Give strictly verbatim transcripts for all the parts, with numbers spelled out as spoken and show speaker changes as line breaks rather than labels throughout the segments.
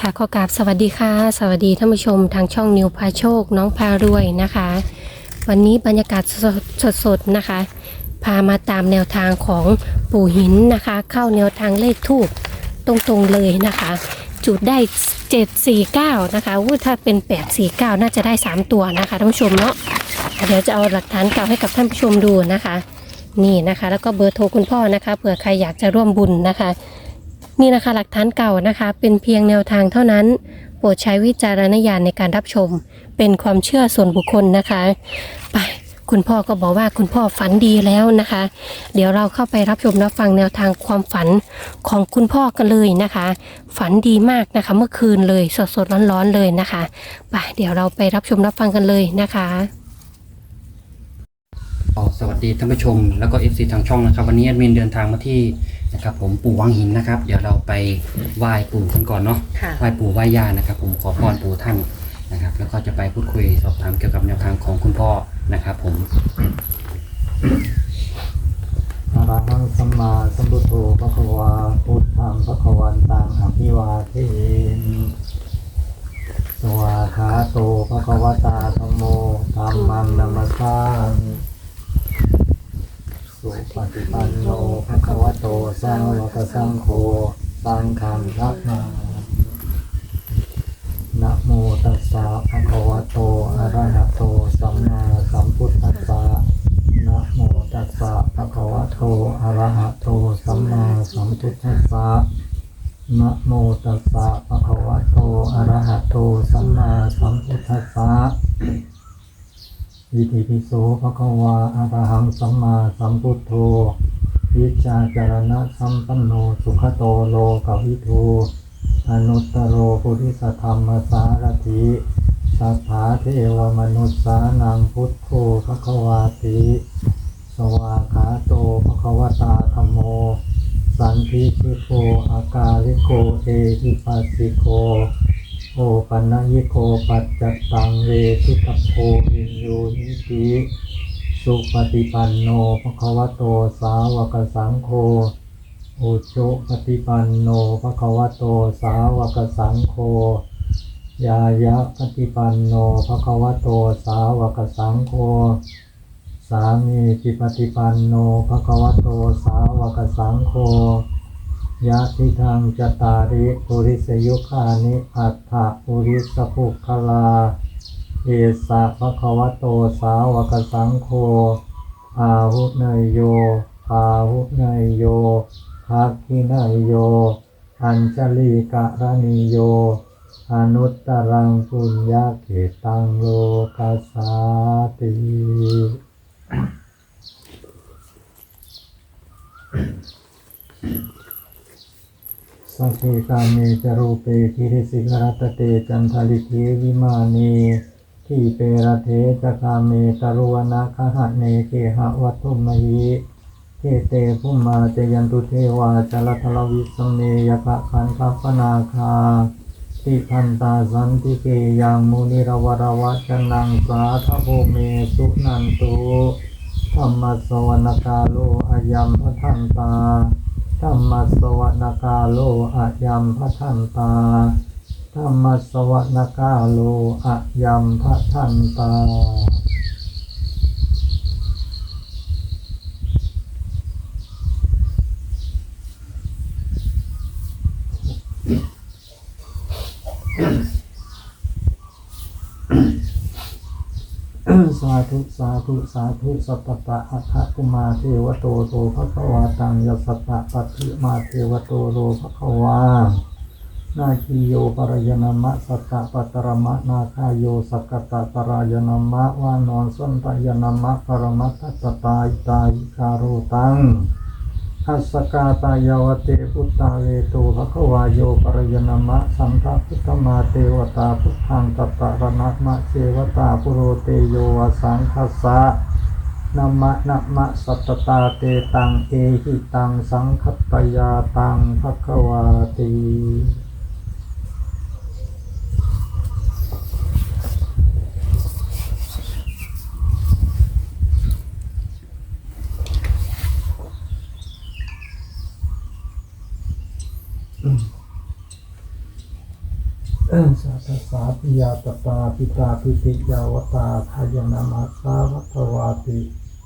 ค่ะขอกราบสวัสดีค่ะสวัสดีท่านผู้ชมทางช่องนิวพาโชคน้องพารวยนะคะ วันนี้บรรยากาศสดๆนะคะ พามาตามแนวทางของปู่หินนะคะ เข้าแนวทางเลขทูปตรงๆเลยนะคะ จุดได้เจ็ดสี่เก้านะคะวู้ถ้าเป็นแปดสี่เก้าน่าจะได้สามตัวนะคะท่านผู้ชมเนาะเดี๋ยวจะเอาหลักฐานเก่าให้กับท่านผู้ชมดูนะคะนี่นะคะแล้วก็เบอร์โทรคุณพ่อนะคะเผื่อใครอยากจะร่วมบุญนะคะนี่นะคะหลักฐานเก่านะคะเป็นเพียงแนวทางเท่านั้นโปรดใช้วิจารณญาณในการรับชมเป็นความเชื่อส่วนบุคคลนะคะไปคุณพ่อก็บอกว่าคุณพ่อฝันดีแล้วนะคะเดี๋ยวเราเข้าไปรับชมรับฟังแนวทางความฝันของคุณพ่อกันเลยนะคะฝันดีมากนะคะเมื่อคืนเลยสดๆร้อนๆเลยนะคะไปเดี๋ยวเราไปรับชมรับฟังกันเลยนะคะ
สวัสดีท่านผู้ชมแล้วก็เอฟซีทางช่องนะครับวันนี้แอดมินเดินทางมาที่นะครับผมปู่วังหินนะครับเดี๋ยวเราไปไหว้ปู่กันก่อนเนาะไหว้ปู่ไหว้ย่านะครับผมขอพรปู่ท่านนะครับแล้วก็จะไปพูดคุยสอบถามเกี่ยวกับแนวทางของคุณพ่อนะครับผม
อะระหังสัมมาสัมพุทโธภะคะวาพุทธังภะคะวันตังอภิวาเทมิสวาคาโตภะคะวตาธัมโมธัมมังนัมมัสสามิสุปฏิปันโนภะคะวะโตสาวกสังโฆสังฆังนัมมานะโมตัสสะภะคะวะโตอะระหะโตสัมมาสัมพุทธัสสะนะโมตัสสะภะคะวะโตอะระหะโตสัมมาสัมพุทธัสสะนะโมตัสสะภะคะวะโตอะระหะโตสัมมาสัมพุทธัสสะอิติปิโสภะคะวะอะระหังสัมมาสัมพุทโธวิชาจารณะสัมปันโนสุขโตโลกวิทูอนุตตโรปุริสธรรมสารถิสัทธาเทวมนุษสานังพุทโธภะคะวาติสวากขาโตภะคะวตาธัมโมสันทิฏฐิโกอากาลิโกเอหิปัสสิโกโอปันญิโกปัจจัตตังเวทิตโพวินโยนิติสุปฏิปันโนภะคะวะโตสาวกสังโฆโอโชปฏิปันโนภะคะวะโตสาวกสังโฆยายะปฏิปันโนภะคะวะโตสาวกสังโฆสามีจิปฏิปันโนภะคะวะโตสาวกสังโฆยะทิทังจตาริปุริสยุคานิอัฏฐปุริสภุคลาเอสะภะคะวะโตสาวกสังโฆอาหุเนยโยอาหุเนยโยภักขิเนยโยอัญชลีกะระนิโยอนุตตรังปุญญาเกตังโลกัสสาติสัพเพกาเมจรูปเปทิริสิกรัตเตจันทลิเทวิมานีที่เประเทจคาเมตรุวนาคหะเนเกหะวัตถุมหิเทเตภุมมาเจยันตุเทวาจลทลวิสเมยกะขันทัพพนาคาติพันตาสันติเกยังมุนิรวรวัจนังสาทโภเมสุนันตุธรรมสวนกาโลอายัมพทันตาธรรมสวนกาโลอายัมพทันตาธรรมสวนกาโลอายัมพทันตาสาธุสาธุสาธุสัพพะอัฏฐกุมาเทวโตโตภะคะวาตังยัสสะปัตถิมาเทวโตโลภะคะวานาคิโยปรายนามะสัตตะปัตตรมะนาคายโยสักกตะปรายนามะวานอนสันตยนามะปรมัตถตตาอิตายิคาโรตังอัสสกาตายาวเตพุตตาเวโตภะคะวายโยปรายนามะสัมภพุทธมาเทวตาพุทธังตัตตะระนะมะเทวตาปุโรเตโยวสังคัสสะนะมะนะมะสัตตตาเตตังเอหิตังสังคัตตยาตังภะคะวาติสัทธสาปิยาตตาปิตาปิติยาวตาทายนามาสาวัตวาติ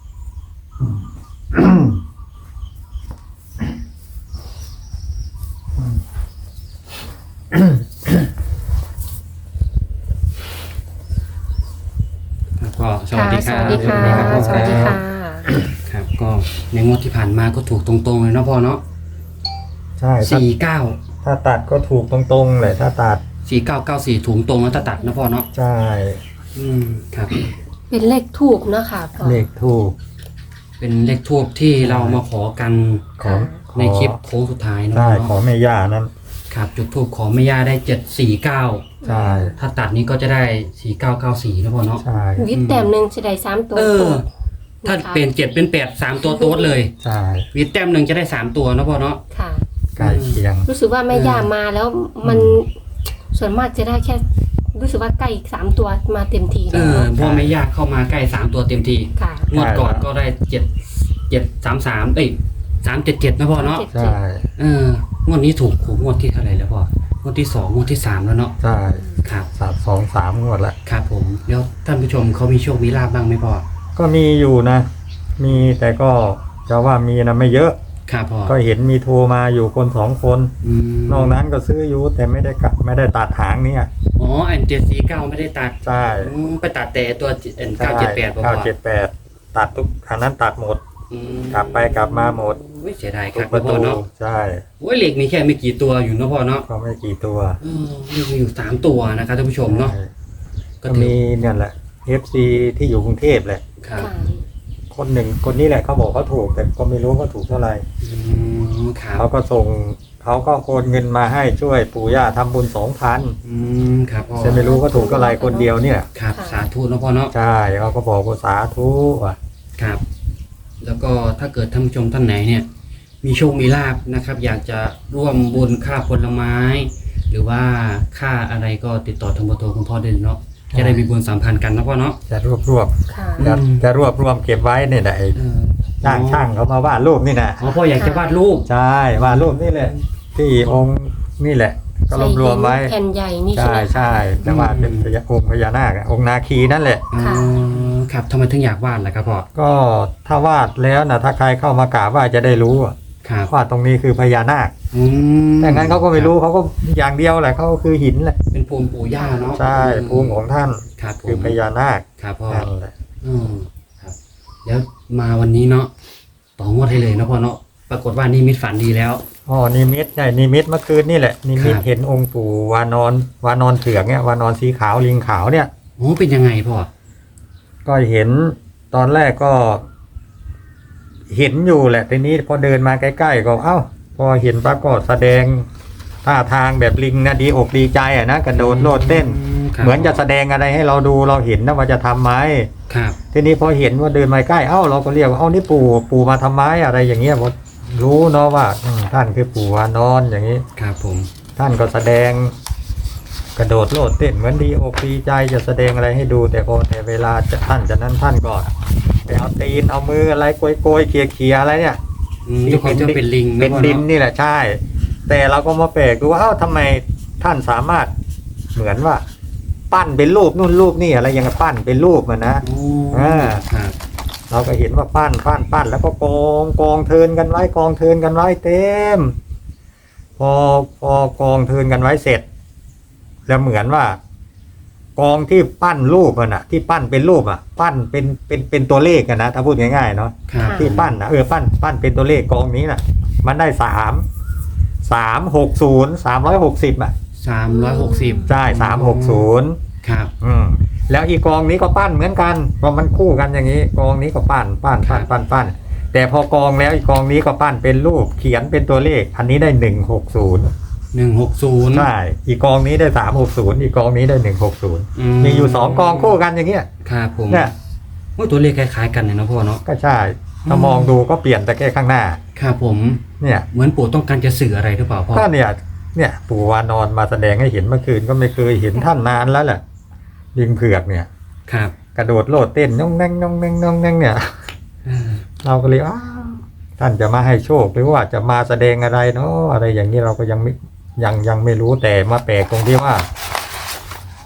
ก็สวัสดีค
ส
รับ
วัสดีค่ะ สวัสดีค่ะ
ครับก็ในงวดที่ผ่านมาก็ถูกตรงๆเลยเนาะพ่อเนาะ
ใช่ถ้า
สี่เก้า
ถ้าตัดก็ถูกตรงๆเลยถ้าตัด
สี่เก้าเก้าสี่ถูกตรงแล้วถ้าตัดนะพ่อเนาะ
ใช่
อืมครับ
เป็นเลขทูบเนาะค่ะพ่อ
เลขถูก
เป็นเลขทูบที่เรามาขอกัน
ของ
ในคลิปโค้งสุดท้ายเนาะ
ใช่
พ่อ
ของ
เนาะ
แม่ย่านั้น
ครับจุดทูบขอแม่ย่าได้เจ็ดสี่เก้า
ใช่
ถ้าตัดนี้ก็จะได้สี่เก้าเก้าสี่นะพ่อเนาะ
ใช่
วิทย์แต้มหนึ่งจะได้สามตัว
เออ
โต๊ด
ถ้า
นะคะ
เป็นเจ็ดเป็นแปดสามตัวโต๊ดเลย
ใช่
วิดแต้มหนึ่งจะได้สามตัวนะพ่อเนาะ
ค่ะ
ใกล้เคียง
รู้สึกว่าแม่ย่ามาแล้วมันส่วนมากจะได้แค่ รู้สึกว่าใกล้อีกสามตัวมาเต็มที
เอ
แล้ว
อพ่อแม่ย่าเข้ามาใกล้สามตัวเต็มที
ค่ะ
งวดก่อนก็ได้เจ็ดเจ็ดสามสามเอ้ยสามเจ็ดเจ็ดนะพ่อเนาะ
เจ็ด
ใช่
เอองวดนี้ถูกถูกงวดที่เท่าไหร่แล้วพ่องวดที่สองงวดที่สามแล้วเนาะ
ใช่
ครับ
สามสองสามงวดละ
ครับผมแล้วท่านผู้ชมเขามีโชคมีลาบบ้างไหมพ่อ
ก็มีอยู่นะ มีแต่ก็จะว่ามีนะไม่เยอะ
ครับพ่อ
ก็เห็นมีโทรมาอยู่คนสองคน
อืม
นอกนั้นก็ซื้ออยู่แต่ไม่ได้กลับไม่ได้ตัดหางเนี่ย
อ๋ออันเจ็ดสี่เก้าไม่ได้ตัด
ใช่
อืมไปตัดแต่ตัวเอ็นเก้าเจ็ดแปดพ่อ
เก้าเจ็ดแปดตัดทุกอันนั้นตัดหมด
อืม
กลับไปกลับมาหมด
โอ้ยเสียดายค
ทุ
รั
ก
บ
ประ
พ่
ตู
อเนาะ
ใช่
โอ้ยเหล็กมีแค่ไม่กี่ตัวอยู่เนาะพ่อเนาะ
ก็ไม่กี่ตัว
เออเหล็กมีอยู่สามตัวนะครับท่านผู้ชมเนาะ
ใช่
ก็
ก็
ถือ
มีเนี่ยแหละ เอฟ ซี ที่อยู่กรุงเทพแหละ
ครับ
ค่ะ
คนหนึ่งคนนี้แหละเขาบอกเขาถูก แต่ก็ไม่รู้ว่าถูกเท่าไหร่
อืมครับ
เขาก็ส่งเขาก็โอนเงินมาให้ช่วยปู่ย่าทำบุญสองพัน
อืมครับพ่อ
จะไม่รู้ก็ถูกเท่าไหร่คนเดียวเนี่ย
ครับสาธุเนาะพ่อเนาะ
ใช่เขาก็บอกว่าสาธุอ่ะ
ครับ แล้วก็ถ้าเกิดท่านผู้ชมท่านไหนเนี่ย มีโชคมีลาบนะครับ อยากจะร่วมบุญค่าผลไม้ หรือว่าค่าอะไรก็ติดต่อทางเบอร์โทรคุณพ่อได้เลยเนาะจะได้มีบุญสัมพันธ์กันนะพ่อเนาะ
จะรวบรวบ
ค่ะ
จะ
อืม
จะรวบรวมเก็บไว้เนี่ยนะไอ้
เออ
จ้างช่างเขามาวาดรูปนี่นะ
อ๋อพ่ออยากจะวาดรูป
ใช่วาดรูปนี่แหละ ที่องค์นี่แหละ ก็รวบรวมไว้
แผ่นใหญ่นี่ใช่
ใช่
ไหมคะ
ใช่แต่ว่าเป็นพญาองค์พญานาคอะองค์นาคีนั่นแหละ
อ๋อ
ค่ะ
ครับทำไมถึงอยากวาดล่ะครับพ่อ
ก็ถ้าวาดแล้วนะถ้าใครเข้ามากราบไหว่าจะได้รู้อะ
ครับ
ว่าตรงนี้คือพญานาค
อืม
แต่งั้นเขาก็ไม่รู้เขาก็อย่างเดียวแหละเขาก็คือหินแหละ
เป็นภูมิปู่ย่าเนาะ
ใช่ภูมิของท่าน
ครับผม
คือพญานาค
ครับพ่อ
นั่นแหละ
อืมครับ แล้วมาวันนี้เนาะต่องวดให้เลยเนาะพ่อเนาะปรากฏว่านี่มิตฝันดีแล้ว
อ๋อนิมิตใช่นิมิตเมื่อคืนนี่แหละนิมิต
ครับ
เห็นองค์ปู่วานอนวานอนเถืองเนี่ยวานอนสีขาวลิงขาวเนี่ย
โอ้เป็นยังไงพ่อ
ก็เห็นตอนแรกก็ เห็นอยู่แหละทีนี้พอเดินมาใกล้ๆก็เอ้า พอเห็นปรากฏแสดงท่าทางแบบลิงนะดีอกดีใจอ่ะนะกระโดดโลดเต้น
ครับ
เหมือนจะแสดงอะไรให้เราดูเราเห็นนะว่าจะทำไหม
ครับ
ทีนี้พอเห็นว่าเดินมาใกล้เอ้าเราก็เรียกว่าเอ้านี่ปู่ปู่มาทำไมอะไรอย่างเงี้ยพอรู้เนาะว่าอืมท่านคือปู่วานอนอย่างนี้
ครับผม
ท่านก็แสดง กระโดดโลดเต้นเหมือนดีอกดีใจจะแสดงอะไรให้ดู แต่พอแต่เวลาจะท่านจะนั้นท่านก็ไปเอาตีนเอามืออะไรโกยโกยๆเขี่ยเขี่ยๆอะไรเนี่ย
อืมทุกคนจะเป็นลิงะ
เป็น
พ่อ
ดิน
เาะ
นี่แหละใช่ แต่เราก็มาแปลกดูว่าเอ้าทำไมท่านสามารถเหมือนว่า ปั้นเป็นรูปนู่นรูปนี่อะไรอย่างเงี้ยปั้นเป็นรูปมันนะ
โอ้
อ่า
ครับ
เราก็เห็นว่าปั้นปั้นปั้นแล้วก็กองกองเทินกันไว้กองเทินกันไว้เต็ม พอพอกองเทินกันไว้เสร็จ แล้วเหมือนว่า กองที่ปั้นรูปมันอะที่ปั้นเป็นรูปอะปั้นเป็นเป็นเป็นตัวเลขกันนะถ้าพูดง่ายๆเนาะ
ครับ
ที่ปั้นนะเออปั้นปั้นเป็นตัวเลขกองนี้น่ะ มันได้สามสามหกศูนย์สามร้อยหกสิบอ่ะ
สามร้อยหกสิบ
ใช่สามหกศูนย์
ครับ
อืมแล้วอีกกองนี้ก็ปั้นเหมือนกันเพราะมันคู่กันอย่างนี้ กองนี้ก็ปั้นปั้นปั้นปั้นปั้นแต่พอกองแล้วอีกกองนี้ก็ปั้นเป็นรูปเขียนเป็นตัวเลข อันนี้ได้หนึ่งหกศูนย์
หนึ่งหกศูนย์
ใช่อีกกองนี้ได้สามหกศูนย์อีกกองนี้ได้หนึ่งหกศูนย์มีอยู่สองกองคู่กันอย่างเงี้ย
ครับผม
เนี่ย
ว่าตัวเลขคล้ายๆกันเลยนะพ่อเนาะ
ก็ใช่ถ้ามองดูก็เปลี่ยนแต่แค่ข้างหน้า
ครับผม
เนี่ย
เหมือนปู่ต้องการจะสื่ออะไรหรือเปล่าพ่อ
ก็เนี่ย เนี่ยปู่วานอนมาแสดงให้เห็นเมื่อคืนก็ไม่เคยเห็นท่านนานแล้วแหละลิงเผือกเนี่ย
ครับ
กระโดดโลดเต้นน้องแน่งน้องแน่งน้องแน่งเนี่ย
อืม
เราก็เลยอ้าวท่านจะมาให้โชคหรือว่าจะมาแสดงอะไรเนาะอะไรอย่างนี้เราก็ยังไม่ยังยังไม่รู้แต่มาแปลกตรงที่ว่า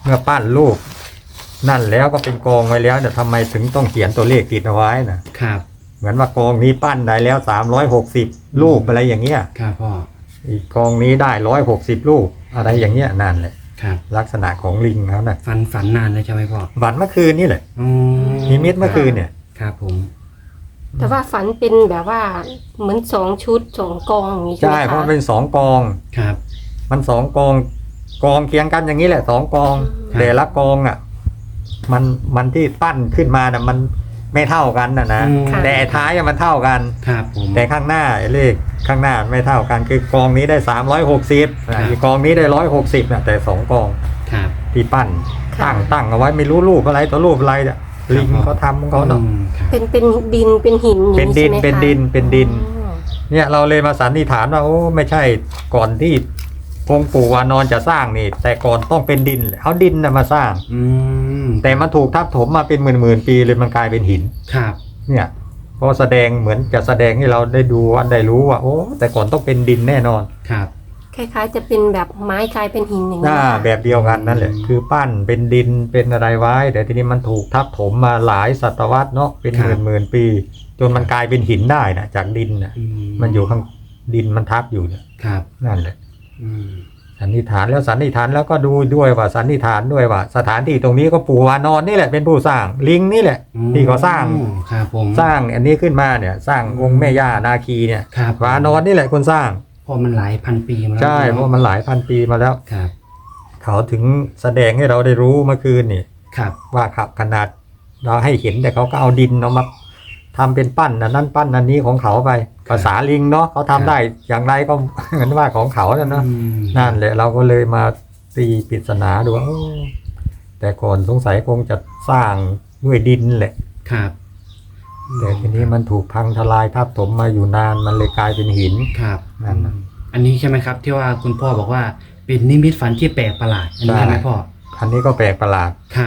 เมื่อปั้นรูปนั่นแล้วก็เป็นกองไว้แล้วแต่ทำไมถึงต้องเขียนตัวเลขติดเอาไว้นะครับ เหมือนว่ากองนี้ปั้นได้แล้วสามร้อยหกสิบรูปอะไรอย่างเงี้ย
ครับพ่อ
อีกกองนี้ได้ร้อยหกสิบรูปอะไรอย่างเงี้ยนั่นแหละ
ครับ
ลักษณะของลิงเขาน่ะ
ฝันฝันนานเลยใช่ไหมพ่อ
ฝันเมื่อคืนนี่แหละ
อ๋อ
นิมิตเมื่อคืนเนี่ย
ครับผม
แต่ว่าฝันเป็นแบบว่าเหมือนสองชุดสองกองอย่างนี้ใช่ไห
ใช่
ม
เพราะ
คะ
มันเป็นสองกอง
ครับ
มันสองกองกองเคียงกันอย่างนี้แหละสองกอง
ครับ
แต่ละกองอ่ะมันมันที่ปั้นขึ้นมาน่ะมันไม่เท่ากันนะนะ
อืม
แต่ท้ายอะมันเท่ากัน
ครับผม
แต่ข้างหน้าไอ้เลขข้างหน้าไม่เท่ากันคือกองนี้ได้สามร้อยหกสิบ
ครับ
อีกกองนี้ได้ร้อยหกสิบนะแต่สองกอง
ครับ
ที่ปั้นตั้งตั้งเอาไว้ไม่รู้รูปอะไรตัวรูปอะไรเนี่ยลิงเขาทำของเขาเนาะ
อืมครับ
เป็นเป็นดินเป็นหินอย่าง
เป็นดิน
ใช่ไหมคะ
เป็นดินเป็นดิน
อ๋อ
เนี่ยเราเลยมาสันนิษฐานว่าโอ้ไม่ใช่ก่อนที่องค์ปู่วานอนจะสร้างนี่ แต่ก่อนต้องเป็นดินเอาดินนะมาสร้าง
อืม
แต่มันถูกทับถมมาเป็นหมื่นหมื่นๆปีเลยมันกลายเป็นหิน
ครับ
เนี่ยพอแสดงเหมือนจะแสดงให้เราได้ดูอันได้รู้ว่าโอ้แต่ก่อนต้องเป็นดินแน่นอน
ครับ
คล้ายๆจะเป็นแบบไม้กลายเป็นหินอย่าง
ห
นี้
น้า
นะคะ
แบบเดียวกันนั่นแหละคือปั้นเป็นดินเป็นอะไรไว้ แต่ทีนี้มันถูกทับถมมาหลายศตวรรษเนาะเป็นหมื่นหมื่นๆปี จนมันกลายเป็นหินได้นะจากดินนะ
อื
มันอยู่ข้างดินมันทับอยู่เนี่ย
ครับ
นั่นแหละ
อืม
สันนิษฐานแล้วสันนิษฐานแล้วก็ดูด้วยว่าสันนิษฐานด้วยว่า สถานที่ตรงนี้ก็ปู่วานอนนี่แหละเป็นผู้สร้างลิงนี่แหละ ที่เขาสร้าง
ครับผม
สร้างอันนี้ขึ้นมาเนี่ยสร้างองค์แม่ย่านาคีเนี่ย
ครับ
วานอนนี่แหละคนสร้าง
เพราะมันหลายพันปีมาแล้ว
ใช่เพราะมันหลายพันปีมาแล้ว
ครับ
เขาถึงแสดงให้เราได้รู้เมื่อคืนนี่
ครับ
ว่าขับขนาดเราให้เห็นแต่เขาก็เอาดินเอามาทำเป็นปั้นอันนั้นปั้นอันนี้ของเขาไปภาษาลิงเนาะเขาทำได้อย่างไรก็ เหมือนว่าของเขาน่ะเนาะ
อืม
นั่นแหละเราก็เลยมาตีปริศนาดูว่าโอ้แต่ก่อนสงสัยคงจะสร้างด้วยดินแหละ
ครับ
แต่ทีนี้มันถูกพังทลายทับถมมาอยู่นานมันเลยกลายเป็นหิน
ครับ
นั่นน่ะ
อันนี้ใช่ไหมครับ ที่ว่าคุณพ่อบอกว่าเป็นนิมิตฝันที่แปลกประหลาดอันนี้
ใช่
ใช่ไหมพ่อ
อันนี้ก็แปลกประหลาด
ครับ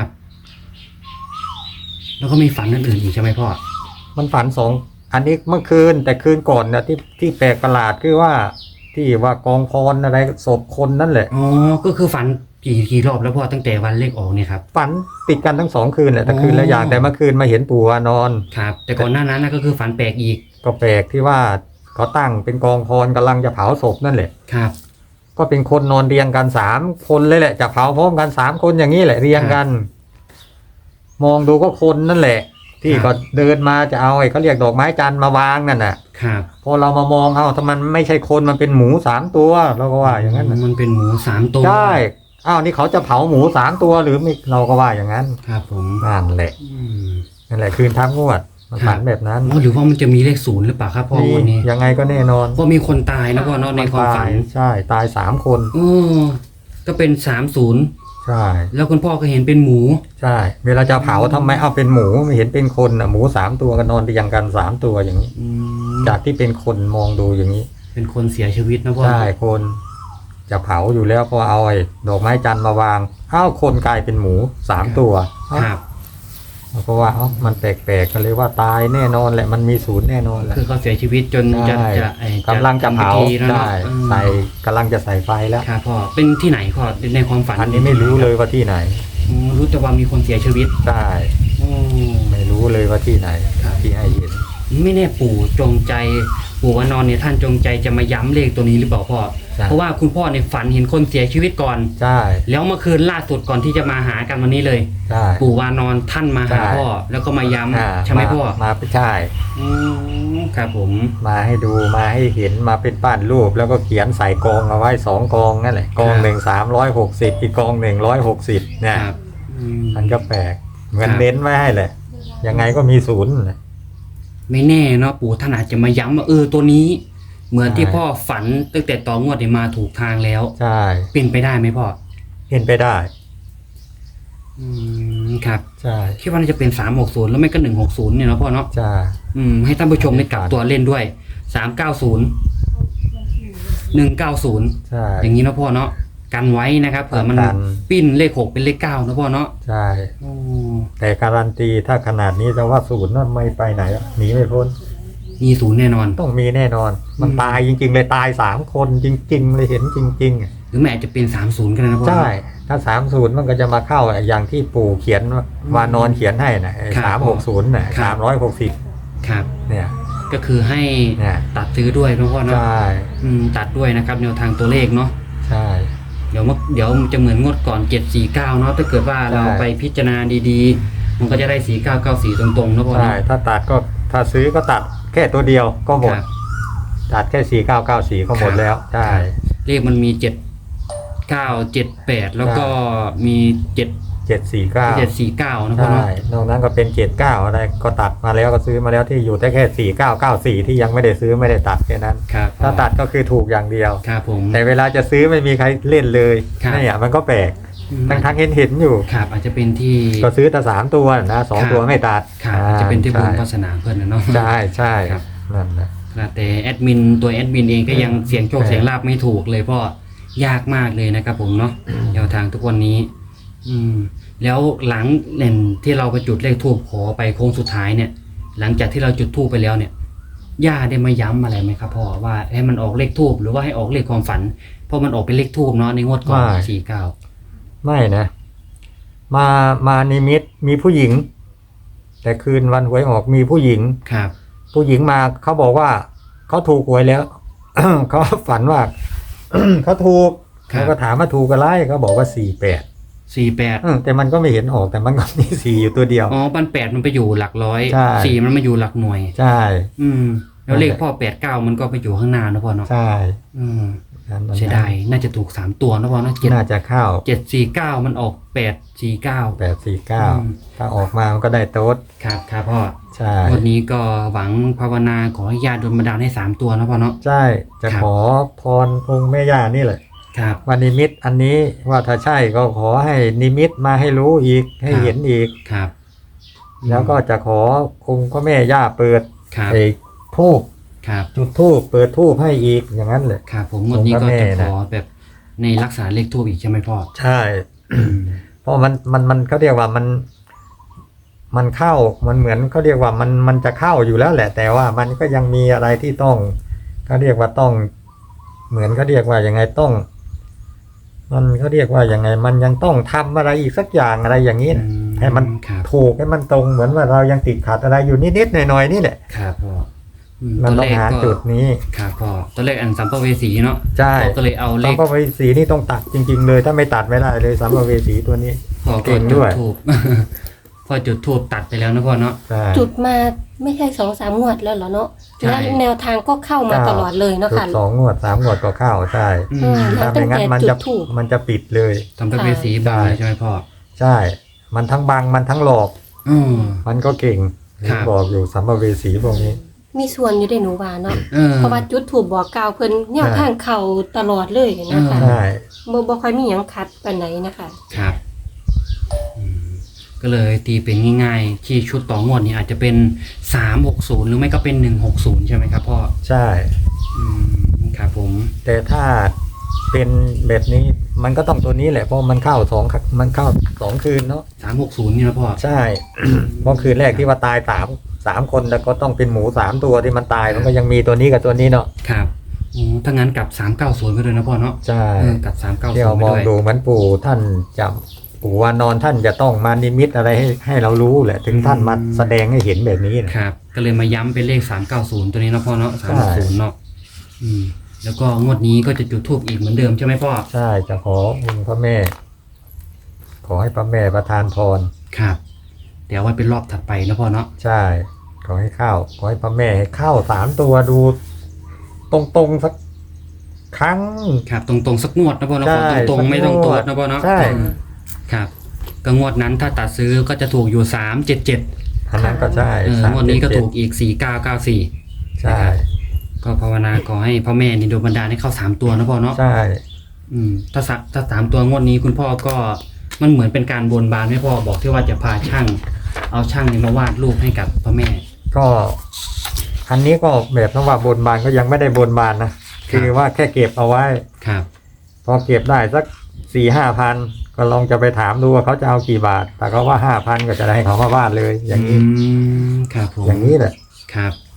แล้วก็มีฝันอื่นๆอีกใช่ไหมพ่อ
มันฝันสองอันนี้เมื่อคืนแต่คืนก่อนนะที่ที่แปลกประหลาดคือว่า ที่ว่ากองพรอะไรศพคนนั่นแหละ
อ๋อ ก็คือฝันกี่กี่รอบแล้วพ่อตั้งแต่วันเลขออกเนี่ยครับ
ฝันติดกันทั้งสองคืนแหละแต่
อ๋อ
คืนละอย่างแต่เมื่อคืนมาเห็นปู่วานอน
ครับ แต่ก่อนหน้านั้นนะก็คือฝันแปลกอีก
ก็แปลกที่ว่าเขาตั้งเป็นกองพรกำลังจะเผาศพนั่นแหละ
ครับ
ก็เป็นคนนอนเรียงกันสามคนเลยแหละจะเผาพร้อมกันสามคนอย่างนี้แหละเรียงกัน มองดูก็คนนั่นแหละ ที่
ครับ
ก็เดินมาจะเอาไอ้เขาเรียกดอกไม้จันทร์มาวางนั่นน่ะ
ครับ
พอเรามามองเอาถ้ามันไม่ใช่คนมันเป็นหมูสามตัวเราก็ว่าอย่างนั้นน่ะ
มันเป็นหมูสามตัว
ใช่อ้าวนี่เขาจะเผาหมูสามตัวหรือไม่เราก็ว่าอย่างนั้น
ครับผม
นั่นแหละ
อืม
นั่นแหละคืนทับงวดมันฝันแบบนั้น
อ๋อหรือว่ามันจะมีเลขศูนย์หรือเปล่าครับพ่อ
นี่
วันนี้
ยังไงก็แน่นอน
เพราะมีคนตายนะพ่อเนาะในความฝัน
ตายใช่ตายสามคน
อ๋อก็เป็นสามศูนย์
ใช่
แล้วคุณพ่อก็เห็นเป็นหมู
ใช่ เวลาจะเผาทำไมเอาเป็นหมูไม่เห็นเป็นคนอ่ะหมูสามตัวกันนอนเรียงกันสามตัวอย่างนี้
อืม
จากที่เป็นคนมองดูอย่างนี้
เป็นคนเสียชีวิตนะพ่อ
ใช่คนจะเผาอยู่แล้วพอเอาไอ้ดอกไม้จันทร์มาวางอ้าวคนกลายเป็นหมูสามตัวเอ้า
ครับ
เราก็ว่าเอ้ามันแปลกๆกันเลยว่าตายแน่นอนแหละมันมีศูนย์แน่นอนแหละ
คือเขาเสียชีวิตจนจะ
ใช่
จะไอ้
กำลังจะเผา
ทำพิธีแล้วเนอะ
ใช่
อืม
ใส่กำลังจะใส่ไฟแล้ว
ครับพ่อเป็นที่ไหนพ่อในความฝัน
อันนี้ไม่รู้เลยว่าที่ไหน
อืมรู้แต่ว่ามีคนเสียชีวิต
ใช่
อืม
ไม่รู้เลยว่าที่ไหน
ครับ
ที่ให้เห็น
ไม่แน่ปู่จงใจปู่วานอนเนี่ยท่านจงใจจะมาย้ำเลขตัวนี้หรือเปล่าพ่อ
ใช่
เพราะว่าคุณพ่อในยฝันเห็นคนเสียชีวิตก่อน
ใช่
แล้วเมื่อคืนล่าสุดก่อนที่จะมาหากันวันนี้เลย
ใช่
ปู่วานอนท่านมาหา
ใช่
พ่อ แล้วก็มาย้
อ่า
ำใช่ไหมพ่อ
มาใช่
อืมครับผม
มาให้ดูมาให้เห็นมาเป็นปั้นรูปแล้วก็เขียนใส่กองเอาไว้สองกองนั่นแหละกองหนึ่งสามร้อยหกสิบอีกกองหนึ่งร้อยหกสิบเนี่ย
ครับอืม
มันก็แปลกเหมือน
ครับ
เน้นไว้ให้แหละยังไงก็มีศูนย์แหละ
ไม่แน่เนาะปู่ท่านอาจจะมาย้ำว่าเออตัวนี้ เหมือนที่
ใช่
พ่อฝันตั้งแต่ต่องวดเนี่ยมาถูกทางแล้ว
ใช่
เป็นไปได้ไหมพ่อ
เห็นไปได้
อืมครับ
ใช่
คิดว่าน่าจะเป็นสามหกศูนย์แล้วไม่ก็หนึ่งหกศูนย์เนี่ยเนาะพ่อเนาะ
ใช่
อืมให้ท่านผู้ชมได้กลับตัวเล่นด้วยสามเก้าศูนย์หนึ่งเก้าศูนย์
ใช่
อย่างนี้เนาะพ่อเนาะกันไว้นะครับเผื่อมัน
กัน
ปิ้นเลขหกเป็นเลขเก้านะพ่อเนาะ
ใช่
โอ้
แต่การันตีถ้าขนาดนี้แต่ว่าศูนย์นั่นไม่ไปไหนอะหนีไม่พ้น
มีศูนย์แน่นอน
ต้องมีแน่นอน มัน
อืม
ตายจริง ๆ เลยตายสามคนจริง ๆ เลยเห็นจริงๆอะ
หรือแม่อาจจะเป็นสามศูนย์ก็ได้นะพ่อ
ใช่ถ้าสามศูนย์มันก็จะมาเข้าอย่างที่ปู่เขียนวานอนเขียนให้นะ
ครั
สา
บ
มหกศูนย์น่ะ
ครับ
สามร้อยหกสิบ
ครับ
เนี่ย
ก็คือให้
เนี่ย
ตัดซื้อด้วยนะพ่อเนาะ
ใช่
อืมตัดด้วยนะครับแนวทางตัวเลขเนาะ
ใช่
เดี๋ยวมันเดี๋ยวมันจะเหมือนงวดก่อนเจ็ดสี่เก้าเนาะถ้าเกิดว่า
ใช่
เราไปพิจารณาดีๆ มันก็จะได้สี่เก้าเก้าสี่ตรงๆนะพ่อ
ใช่
เนาะ
ถ้าตัดก็ถ้าซื้อก็ตัดแค่ตัวเดียวก็หมด
ครับ
ตัดแค่สี่เก้าเก้าสี่ก็หมดแล้วใช่
เลขมันมีเจ็ดเก้าเจ็ดแปดแล้วก็มีเจ็ด
เจ็ดสี่เก้า
เจ็ดสี่เก้านะพ่อ
ใช่
เนาะ
นอกนั้นก็เป็นเจ็ดเก้าอะไรก็ตัดมาแล้วก็ซื้อมาแล้วที่อยู่แต่แค่สี่เก้าเก้าสี่ที่ยังไม่ได้ซื้อไม่ได้ตัดแค่นั้น
ครับ
ถ้าตัดก็คือถูกอย่างเดียว
ครับผม
แต่เวลาจะซื้อไม่มีใครเล่นเลย
ครับ
เนี่ยมันก็แปลก
อืม
ทั้งทั้งเห็นเห็นๆอยู่
ครับอาจจะเป็นที่
ก็ซื้อแต่สามตัวนะสอง
ครับ
ตัวไม่ตัด
ครับอาจจะเป็นที่บุญ
ใช่
วาสนาเพื่อนนะเนาะ
ใช่ใช่
ครับ
นั่นแหละ
ครับแต่แอดมินตัวแอดมินเองก็ยังเสียงโชค
ใช่
เสียงลาบไม่ถูกเลยเพราะยากมากเลยนะครับผมเนาะแนวทางทุกวันนี้ อืม แล้วหลังเน่นที่เราไปจุดเลขทูบขอไปโค้งสุดท้ายเนี่ย หลังจากที่เราจุดทูบไปแล้วเนี่ยย่าได้มาย้ำอะไรไหมครับพ่อว่าให้มันออกเลขทูบหรือว่าให้ออกเลขความฝัน เพราะมันออกเป็นเลขทูบเนาะในงวดก่อนสี่เก้า
ไม่นะ มามานิมิตมีผู้หญิง แต่คืนวันหวยออกมีผู้หญิง
ครับ
ผู้หญิงมาเขาบอกว่าเขาถูกหวยแล้ว เขาฝันว่า เขาถูก
ครับ
เขาก็ถามว่าถูกอะไรเขาบอกว่าสี่แปด
สี่แปด
แต่มันก็ไม่เห็นออกแต่มันก็มีสี่อยู่ตัวเดียว
อ๋อปันแปดมันไปอยู่หลักร้อย
ใช่
สี่มันมาอยู่หลักหน่วย
ใช่
อืม แล้วเลข
นั่นแหละ
พ่อแปดเก้ามันก็ไปอยู่ข้างหน้านะพ่อเนาะ
ใช่
อืม
นั่นมัน
เสียดายน่าจะถูกสามตัวนะพ่อเนาะเจ็ด
น่าจะเข้า
เจ็ดสี่เก้ามันออกแปดสี่เก้า
แปดสี่เก้า
อืม
ถ้าออกมามันก็ได้โต๊ด
ครับครับพ่อ
ใช่
วันนี้ก็หวังภาวนาขอให้ญาติโดนบันดาลให้สามตัวนะพ่อเนาะ
ใช่จะ
ครับ
ขอพรองค์แม่ย่านี่แหละ
ครับ
ว่านิมิตอันนี้ว่าถ้าใช่ก็ขอให้นิมิตมาให้รู้อีกให้
ครับ
เห็นอีก
ครับ
แล้วก็จะขอองค์พระแม่ย่าเปิด
ครับ
ไอ้ทูบ
ครับ
จุดทูบเปิดทูบให้อีกอย่างนั้นเลย
ครับผมวันนี้ก็
องค์พระแม่
จะข
นะ
อแบบในรักษาเลขทูบอีกใช่ไหมพ่อ
ใช่ เพราะมันมันมันเขาเรียกว่ามัน มันเข้ามันเหมือนเขาเรียกว่ามันมันจะเข้าอยู่แล้วแหละ แต่ว่ามันก็ยังมีอะไรที่ต้องเขาเรียกว่าต้อง เหมือนเขาเรียกว่ายังไงต้อง มันเขาเรียกว่ายังไง มันยังต้องทำอะไรอีกสักอย่างอะไรอย่างนี้นะ
อืม
ให้มัน
ครับ
ถูกให้มันตรงเหมือนว่าเรายังติดขัดอะไรอยู่นิดๆหน่อยๆนี่แหละ
ครับพ่ออืม
มัน
ตัว
ต้อง
เลข
หา
ก็
จุดนี้
ครับพ่อตัวเลขอันสัมภเวสีเนาะ
ใช่
พ่อก็เลยเอาเล
สัม
ข
ภเวสีนี่ต้องตัดจริง ๆ เลย ถ้าไม่ตัดไม่ได้เลยสัมภเวสีตัวนี้
พ่อก็
เก่ง
จุ
ด้
ด
วย
ทูบ พ่อจุดทูบตัดไปแล้วนะพ่อเนาะ
ใช่
จุดมาไม่ใช่สองสามงวดแล้วเหรอเนาะ
ใช่
แล้วแนวทางก็เข้ามาตลอดเลยเนาะ
จุด
ค่ะ
สองงวดสามงวดก็เข้าใช่
อื
อื
ม
ม
ถ้าไม่งั้นมันจะ
ตั้งแต่จุดธูป
มันจะปิดเลย
สัมภเวสีบางเลยใช่ไหมพ่อ
ใช่ มันทั้งบังมันทั้งหลอก
อืม
มันก็เก่ง
ครับ
บอกอยู่สัมภเวสีพวกนี้
มีส่วนอยู่ได้หนูว่าเนาะ
เออ
เพราะว่าจุดถูกบอกกล่าวเพิ่นแนว
ใช่
ทางเข้าตลอดเลยนะคะ
อืม
ใช่
บ่บ่ค่อยมีหยังขัดปานไหนนะคะ
ครับอืมก็เลยตีเป็นง่ายๆที่ชุดต่องวดนี้อาจจะเป็นสามหกศูนย์หรือไม่ก็เป็นหนึ่งหกศูนย์ใช่ไหมครับพ่อ
ใช่
อืมครับผม
แต่ถ้าเป็นแบบนี้มันก็ต้องตัวนี้แหละเพราะมันเข้าสองมันเข้าสองคืนเนาะ
สามหกศูนย์นี่นะพ่อ
ใช่ เพราะคืนแรกที่ว่าตายสามสามคนแล้วก็ต้องเป็นหมูสามตัวที่มันตายมันก็ยังมีตัวนี้กับตัวนี้เนาะ
ครับโอ้ถ้างั้นกลับสามเก้าศูนย์ไปเลยนะพ่อเนาะ
ใช่
เออกลับสามเก้าศูน
ที่เรา
ย์ไป
มอง
ด้วย
ดูเหมือนปู่ท่านจะปู่วานอนท่านจะต้องมานิมิตอะไรให้ให้เรารู้แหละ ถึงท่านมาแสดงให้เห็นแบบนี้นะครับ
ก็เลยมาย้ำเป็นเลขสามเก้าศูนย์ตัวนี้นะพ่อเนาะสามศูนย์เนาะอืมแล้วก็งวดนี้ก็จะจุดทูบอีกเหมือนเดิมใช่ไหมพ่อ
ใช่จะขอองค์พระแม่ ขอให้พระแม่ประทานพร
ครับเดี๋ยวไว้เป็นรอบถัดไปนะพ่อเนาะ
ใช่ ขอให้เข้าขอให้พระแม่ให้เข้าสามตัวดู ตรงๆสักครั้ง
ครับตรงๆสักงวดนะพ่อเนาะ
ใช่
ขอตรง
สัก
ๆไม่ต้อง
ง
ตัว
ว
ว
ด
นะพ่อเนาะ
ใช่
อืมครับก็งวดนั้นถ้าตัดซื้อก็จะถูกอยู่สามเจ็ดเจ็ด
อันนั้นก็ใช่
เออ
สาม
งวดนี้ก็
เจ็ด
ถูกอีกสี่เก้าเก้าสี่
ใช่
ก็ภาวนาขอให้พ่อแม่นี่โดนบันดาลให้เข้าสามตัวนะพ่อเนาะ
ใช่
อืมถ้าสักถ้าสามตัวงวดนี้คุณพ่อก็มันเหมือนเป็นการบนบานให้พ่อบอกที่ว่าจะพาช่าง เอาช่างนี่มาวาดรูปให้กับพ่อแม่
ก็อันนี้ก็แบบนว่าบนบานก็ยังไม่ได้บนบานนะคือว่าแค่เก็บเอาไว้
ครับ
พอเก็บได้สักสี่ห้าพันก็ลองจะไปถามดูว่าเขาจะเอากี่บาท แต่เขาว่าห้าพันก็จะได้ให้เขามาวาดเลย อย่างนี้
อืมครับผม
อย่างนี้แหละ
ครับ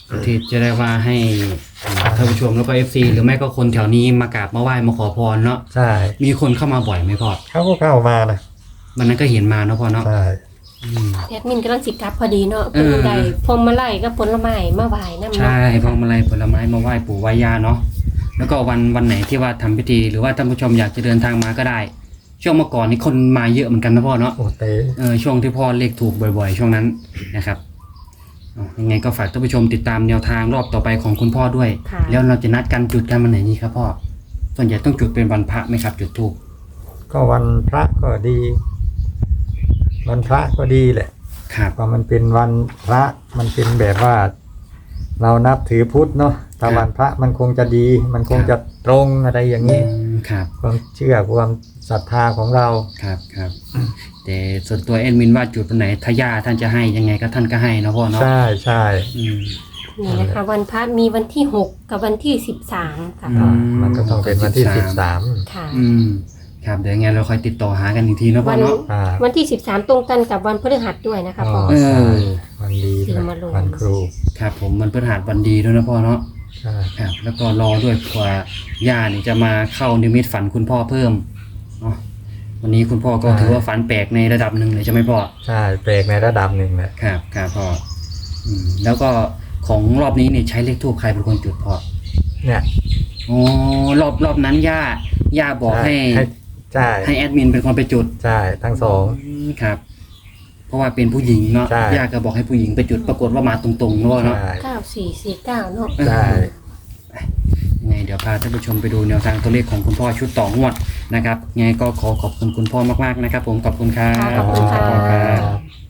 ที่จะได้ว่าให้ท่านผู้ชมแล้วก็ เอฟ ซี หรือไม่ก็คนแถวนี้มากราบมาไหว้มาขอพรเนาะ
ใช่
มีคนเข้ามาบ่อยไหมพ่อ
เขาก็เข้ามานะ
วันนั้นก็เห็นมาเนาะพ่อเนาะ
ใช่
อืม
แอดมินกำลังสิกลับพอดีเนาะ
เออ
เพิ่นได้พวงมาลัยกับผลไม้มาไหว้นำ
ใช่พวงมาลัยผลไม้มาไหว้ปู่ไหว้ย่าเนาะแล้วก็วันวันไหนที่ว่าทำพิธีหรือว่าท่านผู้ชมอยากจะเดินทางมาก็ได้ ช่วงเมื่อก่อนนี่คนมาเยอะเหมือนกันนะพ่อเนาะ
โอเต
เออช่วงที่พ่อเลขถูกบ่อยๆ ช่วงนั้นนะครับเอายังไงก็ฝากท่านผู้ชมติดตามแนวทางรอบต่อไปของคุณพ่อด้วย
ค่ะ
แล้วเราจะนัดกันจุดกันวันไหนนี่ครับพ่อส่วนใหญ่ต้องจุดเป็นวันพระไหมครับ จุดธูป
ก็วันพระก็ดี วันพระก็ดีแหละ
ครับ
เพราะมันเป็นวันพระมันเป็นแบบว่า เรานับถือพุทธเนาะถ้าวันพระมันคงจะดี มันคงจะตรงอะไรอย่างนี้
อืมครับ
ความเชื่อความศรัทธาของเรา
ครับครับแต่ส่วนตัวเอ็นมินว่าจุดวันไหนทายาท่านจะให้ยังไงก็ท่านก็ให้นะพ่อเนาะ
ใช่ใช่
อืม
นี่นะคะวันพระมีวันที่หกกับวันที่สิบสามค่ะ
อื
มันก็ต้องเป็นวันที่สิบสาม
ค่ะ
อืมครับเดี๋ยวยังไงเราค่อยติดต่อหากันอีกทีนะพ่
วั
อน เนาะ
อ่า
วันที่สิบสามตรงกันกับวันพฤหัสด้วยนะคะพ่อ
เออ
ใช่วันดี
ที่
ด้วย
มาลง
วันครู
ครับผมมันพฤหัสวันดีด้วยนะพ่อเนาะ
ใช่
ครับแล้วก็รอด้วยกว่าย่านี่จะมาเข้านิมิตฝันคุณพ่อเพิ่มเนาะวันนี้คุณพ่อก็ถือว่าฝันแปลกในระดับหนึ่งเลยใช่ไหมพ่อ
ใช่แปลกในระดับหนึ่งแหละ
ครับครับพ่ออืมแล้วก็ของรอบนี้เนี่ยใช้เลขทูปใครเป็นคนจุดพ่อ
เนี่ย
อ๋อรอบรอบนั้นย่าย่าบอกให้
ใช่
ให้แอดมินเป็นคนไปจุด
ใช่ทั้งสอง
อืมครับ เพราะว่าเป็นผู้หญิงเนาะ
ใช่
ย่าก็บอกให้ผู้หญิงไปจุดปรากฏว่ามาตรงๆเนาะเนาะ
ใช่
เก้าสี่สี่เก้าเนาะ
ใช่
ยังไงเดี๋ยวพาท่านผู้ชมไปดูแนวทางตัวเลขของคุณพ่อชุดต่องวดนะครับยังไงก็ขอขอบคุณคุณพ่อมากๆนะครับ ผมขอบคุณครับ
ขอบคุณค่ะ
ขอบคุณครับ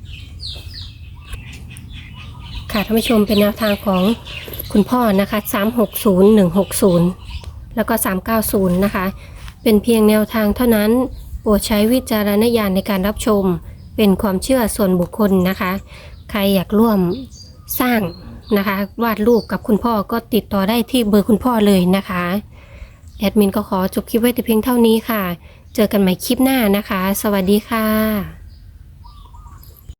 ค่ะท่านผู้ชมเป็นแนวทางของคุณพ่อนะคะสามหกศูนย์หนึ่งหกศูนย์แล้วก็สามเก้าศูนย์นะคะเป็นเพียงแนวทางเท่านั้นโปรดใช้วิจารณญาณในการรับชมเป็นความเชื่อส่วนบุคคลนะคะใครอยากร่วมสร้างนะคะวาดรูปกับคุณพ่อก็ติดต่อได้ที่เบอร์คุณพ่อเลยนะคะแอดมินก็ขอจบคลิปไว้แต่เพียงเท่านี้ค่ะเจอกันใหม่คลิปหน้านะคะสวัสดีค่ะ